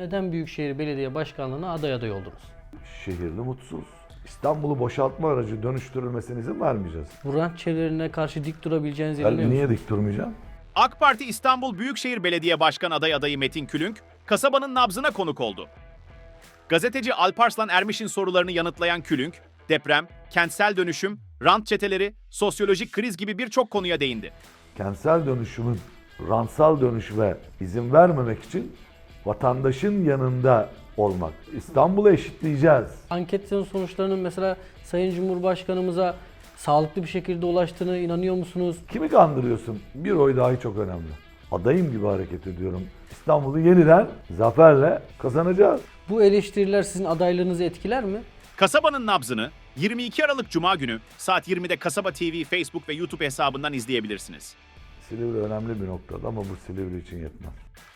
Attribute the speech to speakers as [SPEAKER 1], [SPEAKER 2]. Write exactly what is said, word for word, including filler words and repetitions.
[SPEAKER 1] Neden Büyükşehir Belediye Başkanlığı'na aday aday oldunuz?
[SPEAKER 2] Şehirli mutsuz. İstanbul'u boşaltma aracı dönüştürülmesine izin vermeyeceğiz.
[SPEAKER 1] Bu rant çevrelerine karşı dik durabileceğinize
[SPEAKER 2] Ben
[SPEAKER 1] inanıyor
[SPEAKER 2] niye
[SPEAKER 1] musunuz?
[SPEAKER 2] dik durmayacağım?
[SPEAKER 3] AK Parti İstanbul Büyükşehir Belediye Başkan aday adayı Metin Külünk, kasabanın nabzına konuk oldu. Gazeteci Alparslan Ermiş'in sorularını yanıtlayan Külünk, deprem, kentsel dönüşüm, rant çeteleri, sosyolojik kriz gibi birçok konuya değindi.
[SPEAKER 2] Kentsel dönüşümün rantsal dönüşüme izin vermemek için vatandaşın yanında olmak. İstanbul'u eşitleyeceğiz.
[SPEAKER 1] Anketin sonuçlarının mesela Sayın Cumhurbaşkanımıza sağlıklı bir şekilde ulaştığına inanıyor musunuz?
[SPEAKER 2] Kimi kandırıyorsun? Bir oy dahi çok önemli. Adayım gibi hareket ediyorum. İstanbul'u yeniden zaferle kazanacağız.
[SPEAKER 1] Bu eleştiriler sizin adaylığınızı etkiler mi?
[SPEAKER 3] Kasabanın nabzını yirmi iki Aralık Cuma günü saat yirmide Kasaba T V, Facebook ve YouTube hesabından izleyebilirsiniz.
[SPEAKER 2] Silivri önemli bir noktada ama bu Silivri için yetmez.